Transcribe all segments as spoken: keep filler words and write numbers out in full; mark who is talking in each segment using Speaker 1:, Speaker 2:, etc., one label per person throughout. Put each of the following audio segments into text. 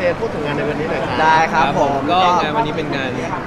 Speaker 1: พูดถึงงานในวันนี้หน่อยครับ
Speaker 2: ได้ครับผม
Speaker 3: ก็งานวันนี้เป็นงาน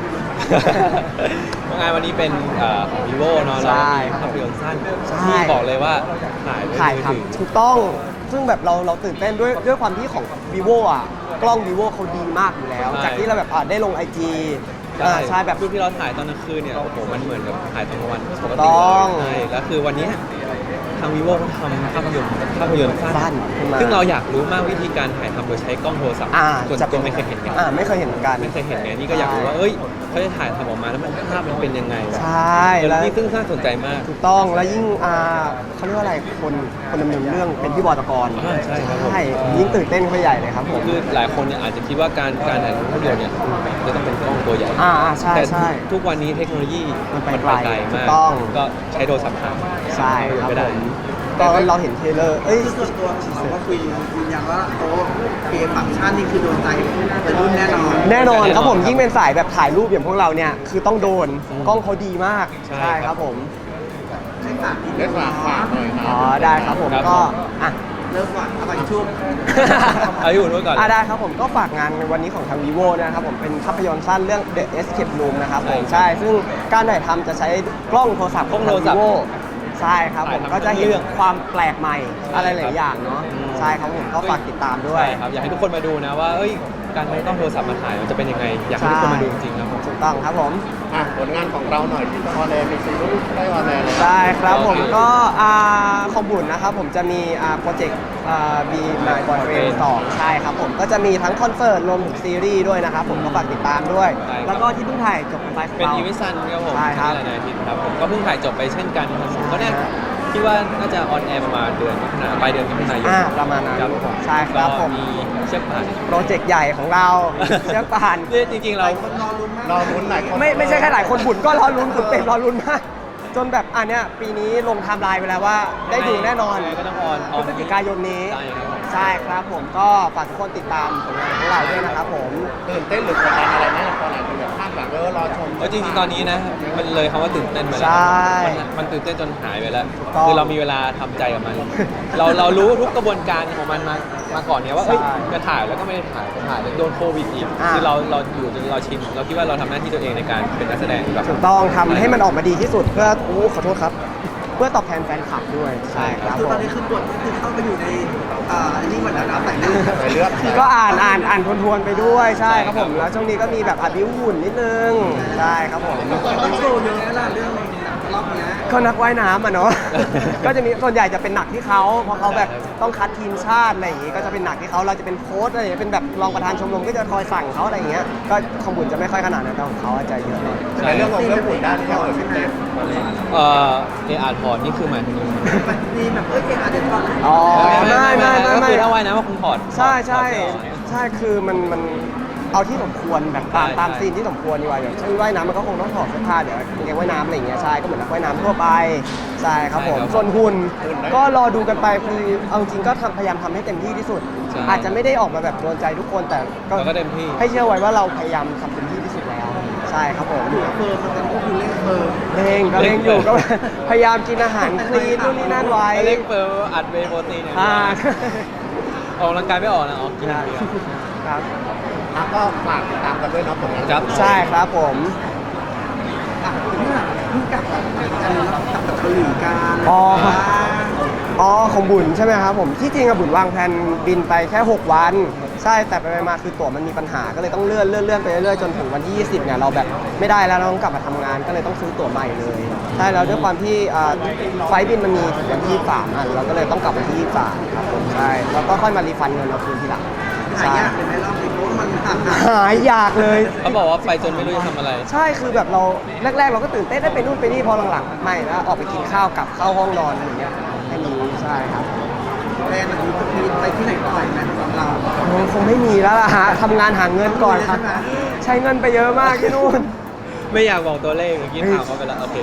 Speaker 3: งานวันนี้เป็นของ vivo เนาะแล้วมีภาพยนตร์สั้นที่บอกเลยว่าถ่ายด้วย
Speaker 2: ถ่าย
Speaker 3: มือ
Speaker 2: ครับ
Speaker 3: ถือ
Speaker 2: ถูกต้องซึ่งแบบเราเราตื่นเต้นด้วยด้วยความที่ของ vivo อ่ะกล้อง vivo เขาดีมากอยู่แล้ว จากที่เราแบบอ่ะได้ลง ไอ จี อ่าใช่แบบ
Speaker 3: รูปที่เราถ่ายตอนกลางคืนเนี่ยโอ้โหมันเหมือนกับถ่ายตอนกลางวันปกติ
Speaker 2: ต้อง
Speaker 3: เลยใช่แล้วคือวันนี้ทาง vivo เขาทำภาพยนตร์ภาพยนตร์
Speaker 2: สั้
Speaker 3: สั้
Speaker 2: น
Speaker 3: น
Speaker 2: ขึ้นมา
Speaker 3: ซึ่งเราอยากรู้มากวิธีการถ่ายทำโดยใช้กล้องโทรศัพท์
Speaker 2: อ่า
Speaker 3: ส่วน
Speaker 2: จะ
Speaker 3: ตัวไม่เคยเห็นกัน
Speaker 2: อ่าไม่เคยเห็นเหมือนกัน
Speaker 3: ไม่เคยเห็นไงนี่ก็อยากรู้ว่าเอ้ยเขาจะถ่ายทำออกมาแล้วมันภาพมันเป็นยังไงวะ
Speaker 2: ใช่แล้ว
Speaker 3: นี่ซึ่งน่าสนใจมาก
Speaker 2: ถูกต้องแล้วยิ่งอ่าเขาเรียกว่าอะไรคนคนดำเนินเรื่องเป็นพี่บอยตะกร
Speaker 3: อ่าใช่ครับผม
Speaker 2: ใช่ยิ่งตื่นเต้นเข้าไปใหญ่เลยครับผม
Speaker 3: คือหลายคนเนี่ยอาจจะคิดว่าการการถ่ายภาพยนตร์เนี่ยจะต้องเป็นกล้องตัวใหญ่
Speaker 2: อ่าอ่าใช่
Speaker 3: แต่
Speaker 2: ใช่
Speaker 3: ทุกวันนี้เทคโนโลยี
Speaker 2: มันไป
Speaker 3: มัน
Speaker 2: ไกล
Speaker 3: ไปไกล
Speaker 2: ถู
Speaker 3: มาก ก
Speaker 2: ต้อง
Speaker 3: ก็ใช้โทรศัพท์ถ่าย
Speaker 2: ใช่ครับ
Speaker 3: ไม่ได้
Speaker 2: ผมก็เราเห็นเทรลเลอร์เอ้ย
Speaker 4: คือส่วนตัวของเราก็คุยยืนยันว่าโอ้เกมฟังก์ชันนี่คือโดนใจวัยรุ่นแน่นอน
Speaker 2: แน่นอนครับผม
Speaker 3: แน่นอน
Speaker 2: ยิ่งเป็นสายแบบถ่ายรูปอย่างพวกเราเนี่ยคือต้องโดนกล้องเขาดีมาก
Speaker 3: ใช่ครับ
Speaker 2: ครับผม
Speaker 4: ให้ฝากนิดนึ
Speaker 1: ได้
Speaker 4: ง
Speaker 1: ฝากฝากหน่อยค
Speaker 2: อ๋
Speaker 1: รั
Speaker 2: อบ ได้ครับผม
Speaker 3: ครับ
Speaker 2: ก็
Speaker 3: ผม
Speaker 2: อ่ะ
Speaker 4: เริ่มก่อนเอาไปชุบ
Speaker 3: เอาอยู่ด้วยก่อน
Speaker 2: อ่ะได้ครับผมก็ฝากงานในวันนี้ของทาง vivo นะครับผมเป็นภาพยนตร์สั้นเรื่อง The Escape Room นะครับผม
Speaker 3: ใช่
Speaker 2: ใช่ซึ่งการถ่ายทำจะใช้กล้องโทรศัพท์
Speaker 3: กล้องโทรศัพท์
Speaker 2: vivo ใช่ครับผม
Speaker 3: ถ่ายทำ
Speaker 2: ก็จะเห็น
Speaker 3: เรื่อง
Speaker 2: ความแปลกใหม่
Speaker 3: ใช่
Speaker 2: อะไรหลายอย่างเนาะ
Speaker 3: อืม
Speaker 2: ใช่ครับผมก็ฝากติดตามด้วย
Speaker 3: ใช่ครับอยากให้ทุกคนมาดูนะว่าเอ้ยการใช้กล้องโทรศัพท์มาถ่ายมันจะเป็นยังไง อยากให้ทุกคนมาดูจริงๆครับผม
Speaker 2: ถูกต้องครับผม
Speaker 1: อ่ะผลงานของเราหน่อยที่ออนแอร์มีซีรีส์ได้ออนแอร์เลย
Speaker 2: ได้ครับผม
Speaker 3: โอเค
Speaker 2: ก็อ่าของบุญนะครับผมจะมีอ่าโปรเจกต์อ่า Be My Boyfriend สองใช่ครับผมก็จะมีทั้งคอนเสิร์ตรวมถึงซีรีส์ด้วยนะครับผมก็ฝากติดตามด้วย
Speaker 3: ใช่ครับ
Speaker 2: แล้วก็ที่เพิ่งถ่ายจบกันไปของ
Speaker 3: เป็น
Speaker 2: เรา
Speaker 3: อีเวนต์ซันครับผม
Speaker 2: ใช่ครับ
Speaker 3: ที่หลายๆอาทิตย์ครับผมก็เพิ่งถ่ายจบไปเช่นกันครับผมก็เนี่ยคิดว่าน่าจะออนแอร์ประมาณเดือนมิถุนายนปลายเดือนมิถุนายน
Speaker 2: อ่าประมาณนั้น
Speaker 3: ครับผม
Speaker 2: ใช่ครับ
Speaker 3: ก็
Speaker 2: ผม
Speaker 3: มีเชือกป่าน
Speaker 2: โปรเจกต์ใหญ่ของเราเชือกป่าน
Speaker 3: นี่จริงๆเรา
Speaker 4: คนรอลุ้นมาก
Speaker 1: รอลุ้นหลายคน
Speaker 2: ไม่ไม่ใช่แค่หลายคนบุญก็รอลุ้นบุญเป็นรอลุ้นมากจนแบบอันเนี้ยปีนี้ลงไทม์ไลน์ไปแล้วว่าได้ดูแน่นอน
Speaker 3: ก็ต้องออน
Speaker 2: พฤศจิกายนนี้
Speaker 3: ใช่ครับผม
Speaker 2: ใช่ครับผมก็ฝากทุกคนติดตามผลงานของเราด้วยนะครับผม
Speaker 1: ตื่นเต้นหรือกดดันอะไรไหมตอนหลังคนแบบคาดหวังเออรอชม
Speaker 3: เออจริงๆ ตอนนี้นะ มันเลยคำว่าตื่นเต้นไปแล้ว
Speaker 2: ใช่
Speaker 3: มันมันตื่นเต้นจนหายไปแล้ว
Speaker 2: ถูกต้อง
Speaker 3: คือเรามีเวลาทำใจกับมัน เราเรารู้ทุกกระบวนการของมันมามาก่อนเนี่ยว่าเอ้ย
Speaker 2: ใช่
Speaker 3: จะถ่ายแล้วก็ไม่ได้ถ่ายจะถ่ายแล้วโดนโควิดอีก
Speaker 2: อ่า
Speaker 3: คือเราเราอยู่จนเราชิน เราคิดว่าเราทำหน้าที่ตัวเองในการเป็นนักแสดงแบบ
Speaker 2: ถูกต้องทำให้มันออกมาดีที่สุดเพื่อโอ้ขอโทษครับ เพื่อตอบแทนแฟนคลับด้วยใช่ครับ
Speaker 4: คือ
Speaker 2: ผ
Speaker 4: ตอน
Speaker 2: ม
Speaker 4: นี้คือบทก็คือเข้าไปอยู่ในอ่าอันนี้เหมือนแล้วนะแต่เรื่อง
Speaker 1: ใส่เลือด
Speaker 2: ก็อ่านอ่านอ่านทวนๆไปด้วยใช่ครับผม
Speaker 3: ใช่ครับ
Speaker 2: แล้วช่วงนี้ก็มีแบบอัดบิวหุ่นนิดนึงใช่ครับผม
Speaker 4: ต้องโชว์เยอะแล้วล่ะเรื่องรอบเนี้ย
Speaker 2: ก็นักว่ายน้ำอ่ะเนาะ ก็จะมีส่วนใหญ่จะเป็นหนักที่เขาเพราะเขาแบบต้องคัดทีมชาติอะไรอย่างงี้ก็จะเป็นหนักที่เขาเราจะเป็นโค้ชอะไรอย่างเงี้ยเป็นแบบรองประธานชมรมก็จะคอยสั่งเขาอะไรอย่างเงี้ยก็ของบุญจะไม่ค่อยขนาดนั้นแต่ของเขาอาจจะเยอะหน่อย
Speaker 1: ในเรื่องของเรื่องหุ่นได้ที่เราเออเป็นเต็ม
Speaker 3: เอ่อเออาร์พอร์ตนี่คือหมายถึง
Speaker 4: มีแบบเอ้ยเกมอาจจะตอน
Speaker 2: อ๋อไม่ไม่ไม่
Speaker 3: ก็
Speaker 2: ไม่
Speaker 3: คือถ้าว่ายน้ำก็คงถอด
Speaker 2: ใช่ใช่
Speaker 3: ถอดเสื้อออก
Speaker 2: ใช่คือมันมันเอาที่สมควรแบบตาม
Speaker 3: ใช่
Speaker 2: ตาม
Speaker 3: ใช่
Speaker 2: ซีนที่สมควรดีกว่าอย่างเช่นว่ายน้ำมันก็คงต้องถอดเสื้อผ้าเดี๋ยวกางเกงว่ายน้ำอะไรอย่างเงี้ยใช่ก็เหมือนนักว่ายน้ำทั่วไปใช่ครับผมส่วนหุ่นก็รอดูกันไปคือเอาจริงก็ทำพยายามทำให้เต็มที่ที่สุด
Speaker 3: ใช่
Speaker 2: อาจจะไม่ได้ออกมาแบบโดนใจทุกคนแต่
Speaker 3: เราก็เต็มที่
Speaker 2: ให้เชื่อไว้ว่าเราพยายามทำเต็มที่ที่สุดแล้ว ใช่ครับผม
Speaker 4: เฟิร์มมันก็คือเล่นเฟิร์ม
Speaker 2: เร่งก็เร่งอยู่ก็ พยายามกินอาหารคลีนนู่นนี่นั่นไว้
Speaker 3: เล็กเปิร์อัดเวย์โปรตีนเนี่ย
Speaker 2: อ่า
Speaker 3: ออกกำลังกายไม่ออกนะออกกินอย่างเดียว
Speaker 2: ครับ
Speaker 1: อ่ะก็ฝากติดตามกันด้วยเนาะผลงาน
Speaker 3: ครับ
Speaker 2: ใช่ครับผม
Speaker 4: อ่ะเพิ่งเพิ่งกลับจากกันกลับจากเกาหลีกัน
Speaker 2: อ๋อ
Speaker 4: ว่า
Speaker 2: อ๋อของบุญใช่ไหมครับผมที่จริงอะบุญวางแผนบินไปแค่ หก วัน ใช่แต่ไปๆมาคือตั๋วมันมีปัญหาก็เลยต้องเลื่อนเลื่อนเลื่อนไปเรื่อยๆจนถึงวันที่ยี่สิบเนี่ยเราแบบไม่ได้แล้วเราต้องกลับมาทำงานก็เลยต้องซื้อตั๋วใหม่เลยใช่แล้วด้วยความที่อ่าไฟล์บินมันมีถึงวันที่ยี่สิบสามอันเราก็เลยต้องกลับวันที่ยี่สิบสามครับผมใช่แล้วก็ค่อยมารีฟันเงินเราคืนทีหลัง
Speaker 4: หายากเลยไหมรอบนี้เพราะว่ามันห่างหาย
Speaker 2: หายอยากเลย
Speaker 3: เขาบอกว่าไปจนไม่รู้จะทำอะไร
Speaker 2: ใช่คือแบบเราแรกๆ เราก็ตื่นเต้นได้ไปนู่นไปนี่พอหลังๆไม่แล้วออกไปกินข้าวกลับเข้าห้องนอนอย่างเงี้ยแค่นี้ใช่ครับ
Speaker 4: แบรนด์อันนี้จะมีไปที่ไหนต่อยไหมสำหรับเรา
Speaker 2: โอ้คงไม่มีแล้วล่ะฮะทำงานหาเงินก่อนครับ
Speaker 4: ใช่ไหม
Speaker 2: ใช้เงินไปเยอะมากที่นู่น
Speaker 3: ไม่อยากบอกตัวเลขเมื่อกี้ถามเขาไปแล้ว โอเค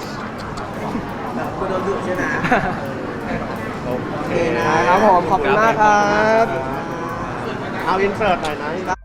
Speaker 4: คุณโดนดุใช่ไหม
Speaker 1: โอเค
Speaker 4: นะ
Speaker 2: ครับผมขอบคุณมากครับ
Speaker 1: เอาอินเสิร์ตหน่อยนะ